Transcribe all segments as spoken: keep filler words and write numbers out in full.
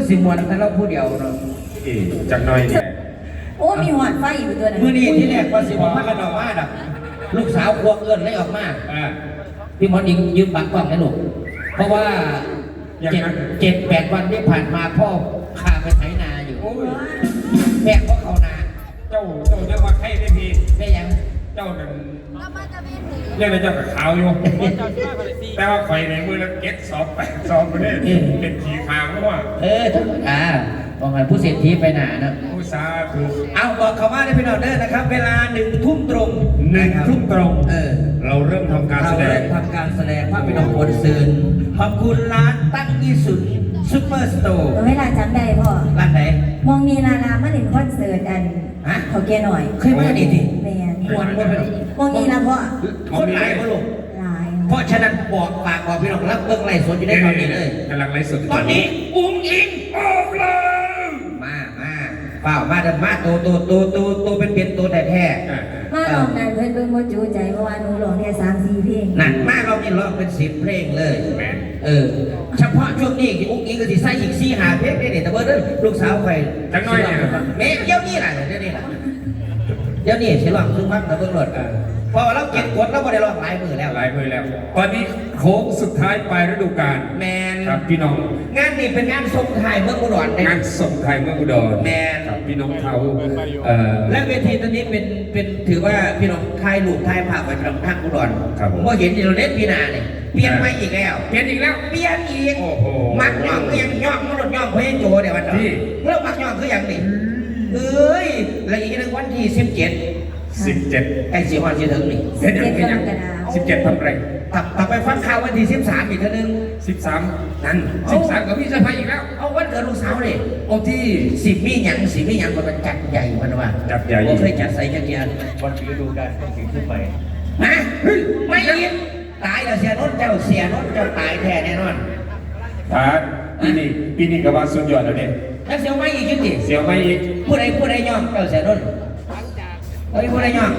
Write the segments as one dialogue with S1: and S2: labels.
S1: สิมวนแต่เราผู้เดียวเนาะ
S2: จังหน่อยเนี่ย
S3: โอ้มีหอดไฟอยู่ตัวนั้น
S1: เมื่อนี้ที่แรกว่าสิบอกว่ากันออกมาดับลูกสาวควงเอื้อนเลยออกมาพี่มอนยิงยืมบังกล้องให้ลูกเพราะว่าเจ็ดเจ็ดแปดวันที่ผ่านมาพ่อข้าไปไถนาอยู่แม่ก็เขานา
S2: เจ้าเจ้าเจ้าว่าใครได้พี
S1: ได้ยัง
S2: เจ้าหนึ่งเรียกอะไรเจ้ากับขาวอยู่แต่ว่าไฟในมือแล้วเก็ตสอบแปดสอบไปเนี่ยเป็นขีขาวเพราะว่า
S1: เออธรรมดาบอกกันผู้เศรษฐีไปหนานะ
S2: ผู้สาธุ
S1: เอาบอกเขาว่าได้พี่น้องเด้อนะครับเวลาหนึ่งทุ่มตรง
S2: หนึ่งทุ่มตรง
S1: เออ
S2: เราเริ่มทำการแสดง
S1: ทำการแสดงภาพพี่น้องคนซืนขอบคุณร้านตั้งยี่สุดซุปเปอร์สโตร์
S3: เวลาจำได้พ่อ
S1: ร้านไหน
S3: มองมีลาลามาเล่นคอนเสิร์ตอันเขาแกหน่อย
S1: เคยมาดีดิ
S3: แมน
S1: มวนว่าเป็น
S3: มองมีลาพ่อ
S1: คนหลายพ่อลูก
S3: หลาย
S1: เพราะฉะนั้นบอกฝากบอกพี่น้องรับเบิ้งไล่สดอยู่ได้ตอนนี้เลย
S2: กำลังไล่สด
S1: ตอนนี้อุ้งอิงออกเลยมามาเปล่ามาเดินมาโตโตโตโตโตเป็นเป็นตัวแท้
S3: มาลองนั่นเพิ่นเบิ่งว่าจูใจเพราะว่าหนูร้องแค่สามสี่เพลง
S1: นั่นมาเรานี่ร้องเป็นสิบเพลงเลยเออเฉพาะช่วงนี้อุ้งอิงก็สิใส่อีกสี่ห้าเพลงได้เนี่ยแต่เบอร์นั้นลูกสาวใคร
S2: จังน้อยเนี่ย
S1: แม่เดี๋ยวนี้แหละเดี๋ยวนี้แหละเดี๋ยวนี้สิร้องซึ่งพักแต่เบิ่งรถพอเราเก็บกดเราไม่ได้ร้องหลายมือแล้ว
S2: หลายมือแล้วตอนนี้โค้งสุดท้ายปลายฤดูกาล
S1: แมน
S2: ครับพี่น้อง
S1: งานนี้เป็นงานส่งไทยเมืองอุดรง
S2: านส่งไทยเมืองอุดร
S1: แมน
S2: ครับพี่น้องเขา
S1: และเวทีตอนนี้เป็นเป็นถือว่าพี่น้องไทยลูกไทยภาพไปทางภาคอุดรผมก็เห็นเราเล่นปีนาเนี่ยเปลี่ยนมาอีกแล้ว
S2: เปลี่ยนอีกแล้ว
S1: เปลี่ยนอีกมักย่องก็ยังย่องมันหลดย่องเพื่อโจเดี๋ยววันนี้เริ่มมักย่องคืออย่างนี้เอ้ยและอีกหนึ่งวันที่สิบเจ็ด
S2: สิบเจ็ด
S1: ไอ้สี่วันสี่ถึงนี่
S3: สิบเจ็ดกรกฎาคม
S2: สิบเจ็ดทำไร
S1: ตับตับไปฟังข่าววันที่สิบสามอีกทีนึง
S2: สิบสาม
S1: นั่น
S2: สิบสามกับพี่เซอร์ไพรส์อีกแล้ว
S1: เอาวันเกิดลูกสาวเลย
S2: โอ้ที่
S1: สิบมีหยังสิบมีหยังมันจัดใหญ่มันว่า
S2: จัดใหญ่
S1: ผมเคยจัดใส่จัดเกียร์
S2: วันฤดูกาลต้องสิ่งขึ้นไป
S1: ฮะไม่ยินตายแล้วเสียรถเจ้าเสียรถเจ้าตายแท้แน่นอน
S2: ทานปีนี้ปีนี้ก็ว่าสุดยอดแล้วเนี่ย
S1: แล้วเสียวไม่อีกจริง
S2: เสียวไม่อีก
S1: ผู้ใดผู้ใดย่อมเจ้าเสียรถเฮ้ยผู้ใดย่อม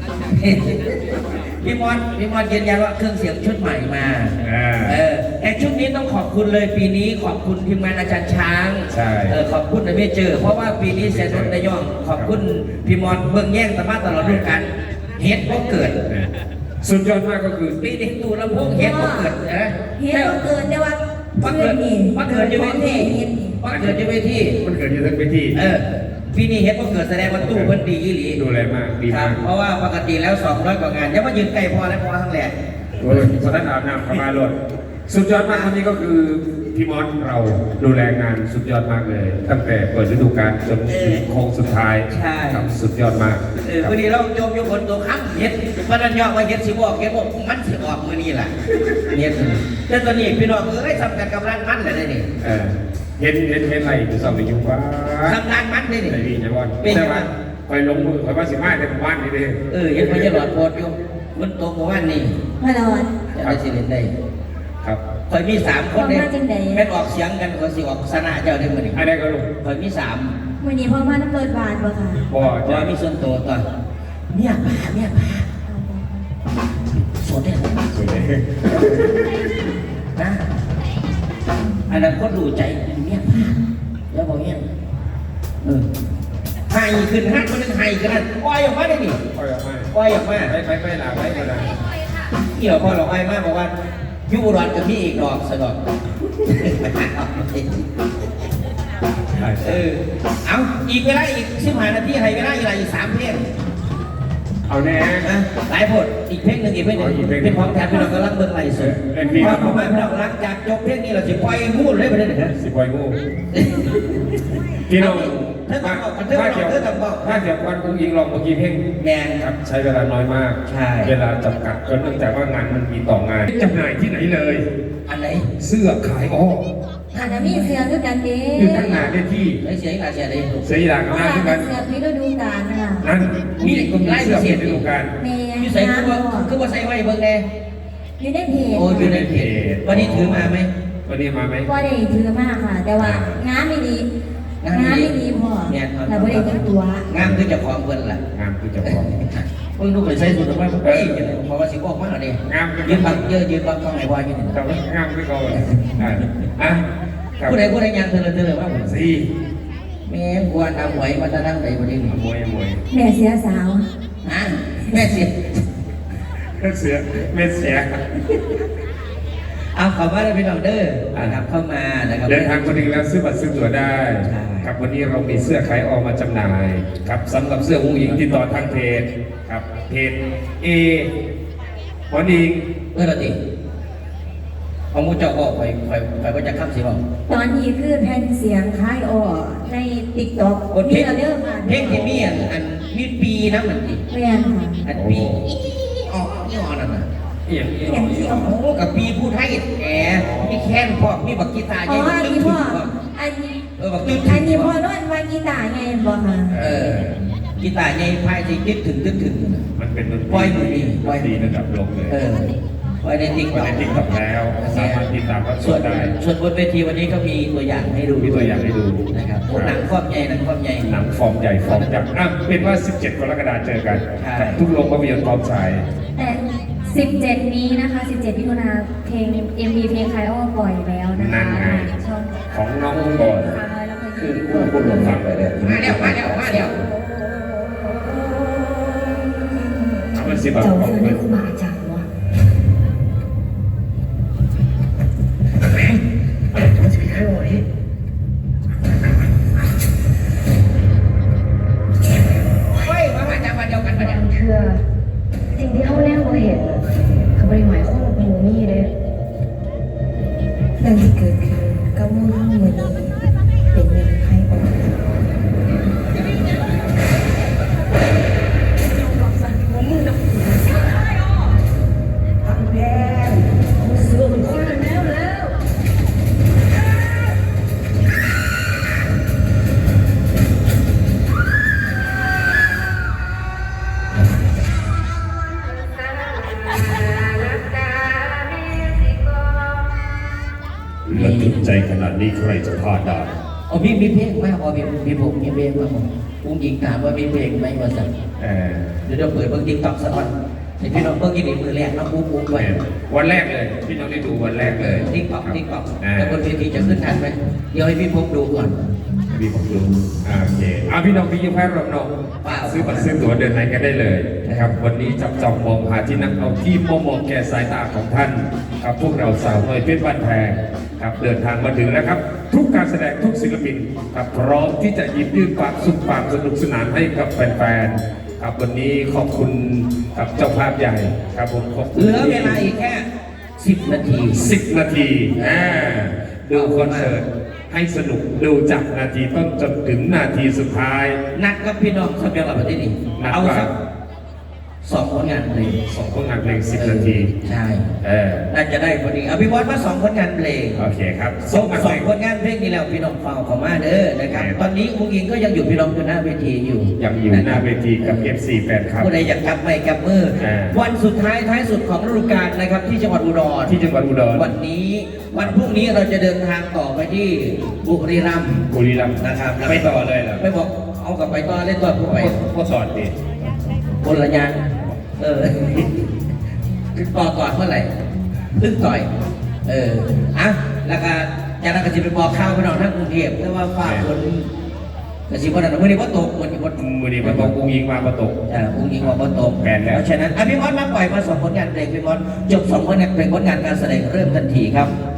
S1: พี่มอนพี่มอนยืนยันว่าเครื่องเสียงชุดใหม่มาเออแต่ชุดนี้ต้องขอบคุณเลยปีนี้ขอบคุณทีมงานอาจารย์ช้าง
S2: ใช่
S1: เออขอบคุณนะไม่เจอเพราะว่าปีนี้เสียรถได้ย่อมขอบคุณพี่มอนเบื้องแย่งตะมาตลอดฤดูกาลเฮ็ดก็เกิด
S2: สุดยอดมากก็คือ
S1: ปีนี้ตูลำโพงเฮ็ดก็เกิดนะ
S3: เฮ็ดก็เกิดแต่ว่า
S1: พักเกิดพักเกิดอยู่เวทีพักเกิดอยู่เวที
S2: มันเกิดอยู่ทั้งเวที
S1: เออปีนี้เฮ็ดก็เกิดแสดงว่าตู้เพิ่นดีอีหลี
S2: ดูแลมากดีมาก
S1: เพราะว่าปกติแล้วสองร้อยกว่างานยังมายืนไกลพอแล้วพอทั้งแหล่
S2: โอ้ยสถานอาบน้ำเข้ามาเลยสุดยอดมากวันนี้ก็คือพี่มอสเราดูแลงานสุดยอดมากเลยตั้งแต่เปิดฤดูกาลจนถึงโค้งสุดท้าย
S1: ใช่
S2: สุดยอดมาก
S1: เออวันนี้เราโยมโยมคนตัวข้ามเฮ็ดวันนั้นยอมมาเฮ็ดสิบอกเฮ็ดบอกมันสิออกมื้อนี้แหละเฮ็ดแต่ตอนนี้พี่น้องเอ้ยสำคัญกำลังมันเลยนี่
S2: เออเห็นเห็นเห็นอะไรอยู่สองอยู่ว่า
S1: ทำงานมันเลยนี่
S2: ไอ้พี่จะว่าแต่ว่าไปลงมือไปว่าสิมาแต่บ้านนี่เด้
S1: เออยังไม่จะหลอดโพดอยู่มันตรงกับวันนี้
S3: มาหลอด
S1: จะได้สิเล่นได้
S2: ครับ
S1: คอยมีสามคนเนี่ยแม่ออกเสียงกันก็สิออกสนาเจ้าได้เหมือนกัน
S2: อะไรก็ลูก
S1: คอยมีสาม
S3: วันนี้พ่อมาต้องเปิดบานป่ะค่ะ
S2: บ่
S1: คอยมีส่วนตัวต่อเมียป้าเมียป้าสดเลย
S2: สดเลย
S1: นะอันนั้นก็ดูใจเมียป้าแล้วบอกเงี้ยเออไห้ขึ้นห้าคนนึงไห้กันนั่นปล่อยออกมาได้ดิ
S2: ปล่อยออกมา
S1: ปล่อยออกมา
S2: ไปไปไปหลาไปไปหลา
S1: เกี่ยวพอเราไห้มากบอกว่ายูรอนกับพี่อีกดอกสะดอกเออเอาอีกเวลาอีกสิบห้านาทีให้เวลาอีกอะไรอีกสามเพลง
S2: เอาแน่
S1: หลายบทอีกเพลงหนึ่งอีกเพลงหนึ่งเป็นของแทนพี่น้องก็รักเบิ้งไหลเสือพอผมมาพี่น้องรักจากจบเพลงนี้เราจะปล่อยงูเลยไปเลยนะ
S2: สิปล่อยงูพี่น้อง
S1: ถ้า
S2: ถ้าเกี่ยวถ้าเกี่ยวกันคุณยิงลองเมื่อกี้เพลง
S1: แมน
S2: ครับใช้เวลาน้อยมาก
S1: ใช่
S2: เวลาจำกัดก็เนื่องจากว่างานมันมีต่องานจำหน่ายที่ไหนเลย
S1: อันไหน
S2: เสื้อขายอ้อ
S3: อาจจะมีเสื้อด้วยกันเด้
S2: อยู่ทั้งงานได้ที่
S1: ไอ้เสียงอะไรเสียอะไร
S2: เสียอย่างงานด้วยกัน
S3: เสื้อพิฤดูกาลนะ
S2: นั่นมีก็มีเสื้อพิฤดูกาล
S1: มีใส่คือว่าคือว่าใส่ไว้เบิ่งแน่
S3: อยู่ในเพจ
S1: โอ้อยู่ในเพจวันนี้ถือมาไหม
S2: วันนี้มาไหม
S3: ก็ได้ถือมากค่ะแต่ว่างานไม่ดีงานไม่ดีพอแต่ไม่ได้ตั้งตัว
S1: งานคือจะคล้องเพิ่นล่ะ
S2: งานคือจะคล้อง
S1: เพิ่งดูไปใช้สุดว่าเฮ้ยเพราะว่าสิบอกมากเลย
S2: งาน
S1: ยืนบังเยอะยืนบังต้องไหนวายยืน
S2: แต่ว่างานไม่ก่อนอ่ะ
S1: ผู้ใดผู้ใดยังเธอเลยเธอเลยว่าผม
S2: สี่
S1: แม่งกวนเอาหวยมาจะนั่งไหนวันนี้
S2: มวยมวย
S3: แม่เสียสาว
S1: ฮะแม่เสีย
S2: เสือเม็ดเสีย
S1: เอาขอมาเลยพี่น้องเด้อนะครับเข้ามานะครับ
S2: เดินทางมาถึงแล้วซื้อบัตรซื้อตั๋วได้
S1: ใช่
S2: ครับวันนี้เรามีเสื้อขายออกมาจำหน่ายครับสำหรับเสื้อผู้หญิงติดต่อทางเพจครับเพจเอวันนี้
S1: เออละติเอามูเจ้าออกไปไปไปว่าจะข้ามสิบอก
S3: ตอนนี้คือแผ่นเสียงคล้ายอ้อในติ๊กต็อก
S1: โอเค
S3: มีระเดิมค่ะ
S1: เพลงที่มีอันอันมีปีนะมันดิ
S3: แม่นค่ะ
S1: อันปีออกนี่ออกนั่นน่ะ
S2: เอียงเอียง
S3: อย่างที่อ้อ
S1: โอ้กับปีผู้ไทยแหมมีแค้นพ่อมีบักกีตาร์
S3: อ๋
S1: ให
S3: อ
S1: ญ่
S3: อัน
S1: ตึ้
S3: นี้
S1: ง
S3: พ่อ
S1: ๆพ่อ
S3: อันนี้
S1: เออบักตึ้ง
S3: อันนี้พ่อนวดว่ากีตาร์ไงบอกค่ะ
S1: เออกีตาร์ใหญ่พายสิตึ๊ดถึงตึ๊ดถึง
S2: มันเป็นดนตรี
S1: ปล่อยมือดี
S2: ปล่อยดีระดับโลกเลย
S1: เออไว้ในติ๊ก
S2: วันนี้ติ๊กต็อกแล้วสามารถติดตามรับช
S1: ส่ว
S2: ม
S1: น
S2: ได้
S1: ส่วนบนเวทีวันนี้ก็มีตัวอย่างให้ดู
S2: มีตัวอย่างให้ดู
S1: นะครับพวกหนังครอบใหญ่หนังครอบใหญ่
S2: หนังฟอร์มใหญ่ฟอร์มยักษ์อ่ะเป็นว่า สิบเจ็ด กรกฎาคมเจอกัน
S1: ใช่
S2: กับทุกโรงภาพยนตร์พร้อมฉาย
S3: แต่สิบเจ็ดนี้นะคะสิบเจ็ดมิถุนาเพลง เอ็ม วี เพลงคล้ายอ้อปล่อยแล้วนะ
S2: นั่
S3: คะ
S2: นไง
S3: ช่อง
S2: ของน้องก่อน
S3: สาวน้อยแล้วก็
S2: คือผู้ผู้ลงฟังไปเลย
S1: มาแล้วมาแล้วมาแล้ว
S2: เอามันสิบาท
S3: เจ้า
S2: ของ
S3: เสื้อ
S2: เล
S3: นี่
S2: ย
S3: คือบาจังวะ
S1: เฮ้ยมามาจากวันเดียวกันปะเนี่ย
S4: บางเทื่อสิ่งที่เขาแนวบ่เห็นเขาไม่ได้หมายความว่าเป็นบ่มีเด้
S3: เรื่องที่เกิดขึ้นกับมือข้างมือนี้เป็นเรื่องใครบอก
S2: ระทึกใจขนาดนี้ใครจะพลาดได้
S1: เอาพี่มีเพลงไหมเอาพี่พี่ผมมีเพลงไหมผมอุ้งหญิงถามว่ามีเพลงไหมมาสั่ง
S2: เออ
S1: เดี๋ยวเราเปิดเบิ้งติ๊กต็อกสักวันให้พี่น้องเบิ้งกินในมือแรกน้องปุ๊บปุ๊บไว้
S2: วันแรกเลย พี่น้องได้ดูวันแรกเลย
S1: ติ๊กต็อกติ๊กต็อก
S2: อ่า
S1: แต่บนเวทีจะขึ้นทันไหมเดี๋ยวให้พี่พบดูก่อน
S2: พี่ผมดูอ่าโอเคอ่าพี่น้องพี่ยิ้มให้เราเนาะ
S1: เปล่า
S2: ซื้อบัตรซื้อตั๋วเดินไหนกันได้เลยนะครับ วันนี้จับจองมองหาที่นั่งเอาที่มองมองแก่สายตาของท่านครับพวกเราสาวน้อยเพชรบ้านแพงครับเดินทางมาถึงแล้วครับ ทุกการแสดงทุกศิลปินครับพร้อมที่จะหยิบยื่นความสุขความสนุกสนานให้กับแฟนๆครับวันนี้ขอบคุณกับเจ้าภาพใหญ่ครับผมขอบคุณ
S1: เหลือเวลาอีกแค่สิบนาที
S2: สิบนาทีอ่าดูคอนเสิร์ตให้สนุกดูจากนาทีต้นจนถึงนาทีสุดท้าย
S1: นัดกับพี่น้องสักเดียวกับประเทศนี้
S2: นัด
S1: เอา
S2: ว่า
S1: สักสองผลงานเพลง
S2: สองผลงานเพลงสิบนาที
S1: ใช่
S2: เออ
S1: น่าจะได้พอดีเอาพี่บอสมาสองผลงานเพลง
S2: โอเคครับ
S1: สอง
S2: ผล
S1: ส
S2: งา
S1: อน ง
S2: เพลง
S1: ผลงานเพลงนี่แล้วพี่น้องฟังเขามาเด้อนะครับ
S2: ครับ
S1: ตอนนี้อุ้งอิงก็ยังอยู่พี่น้องอยู่หน้าเวทีอยู่
S2: ยังอยู่หน้าเวทีกับ เอฟ ซี แฟนคลับ
S1: ผู้ใดอยากจับไม่จับมือ
S2: อ่า
S1: วันสุดท้ายท้ายสุดของฤดูกาลนะครับที่จังหวัดอุดร
S2: ที่จังหวัดอุดร
S1: วันนี้วันพรุ่งนี้เราจะเดินทางต่อไปที่บุรีรัมย์
S2: บุรีรัมย์
S1: นะครับ
S2: ไปต่อเลยเหรอ
S1: ไปบอกเอากลับไปต่อเล่นต่อผู้ไป
S2: ก็สอนดิ
S1: คนละอยางเออต่อก่อนเมื่อไหร่ลึกต่อย เอออ่ะแล้วก็จากนั้นก็จะไปบอกข่าวพี่น้องทั้งกรุงเทพแต่ว่าฝากคนกระสิบวันนั้นวันนี้ว่าตกวันนี้ว่าตก
S2: มือนี้มาตกกุ้งยิงมามาตก
S1: อ่าอุ้งอิงว่าบ่ตรง
S2: แปลนแล้ว
S1: เพราะฉะนั้นอ่ะพี่มอสมาปล่อยมาสองผลงานเพลงพี่มอสจบสองผลงานเพลงผลงานการแสดงเริ่มทันทีครับ